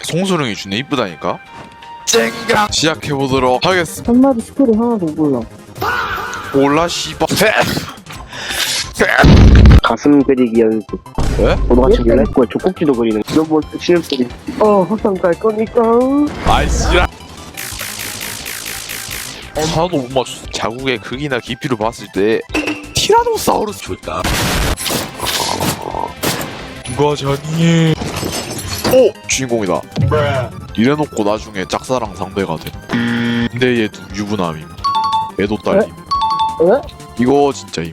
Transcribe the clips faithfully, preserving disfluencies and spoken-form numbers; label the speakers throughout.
Speaker 1: 송수령이 주네 이쁘다니까. 쨍강 시작해보도록 하겠습니다.
Speaker 2: 한마디 스토리 하나도 몰라.
Speaker 1: 몰라 씨발.
Speaker 3: 가슴 그리기 연습.
Speaker 1: 왜?
Speaker 3: 오늘같이 밀라 했고 족국지도 그리는 너뭐 신음소리.
Speaker 2: 어, 화상 갈 거니까.
Speaker 1: 아이씨라. 하나도 못 맞췄어. 자국의 크기나 깊이로 봤을 때 티라노사우루스 좋다. 누가 자니? 오! 주인공이다. 이래놓고 나중에 짝사랑 상대가 돼. 근데 얘도 유부남임. 애도 딸림.
Speaker 2: 에?
Speaker 1: 이거 진짜임.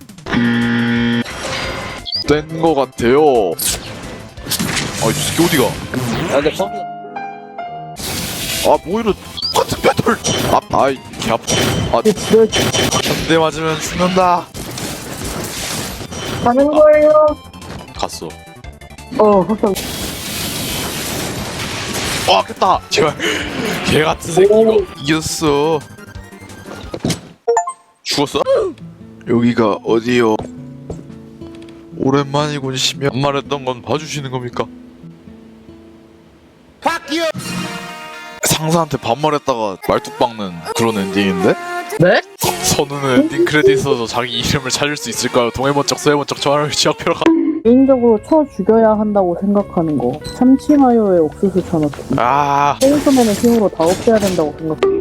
Speaker 1: 뗀 거 같아요. 아, 이 새끼 어디가?
Speaker 3: 아 근데 거기
Speaker 1: 아, 뭐 이런 똑같은 배틀. 아, 아이, 개 아파. 아,
Speaker 2: 네,
Speaker 1: 한 대 맞으면 죽는다.
Speaker 2: 가는 거예요.
Speaker 1: 갔어.
Speaker 2: 어, 화상.
Speaker 1: 아, 깼다. 제발. 개 같은 새끼 이거 이겼어. 죽었어? 여기가 어디요? 오랜만이군 시며 말했던 건 봐주시는 겁니까? 상사한테 반말했다가 말뚝 박는 그런 엔딩인데?
Speaker 2: 네?
Speaker 1: 선우는 엔딩 크레딧에서 자기 이름을 찾을 수 있을까요? 동해번쩍 서해번쩍 저하를 지역표로 가.
Speaker 2: 개인적으로 쳐 죽여야 한다고 생각하는 거. 참치마요에 옥수수 쳐넣기.
Speaker 1: 아,
Speaker 2: 생소맨의 힘으로 다 없애야 된다고 생각해.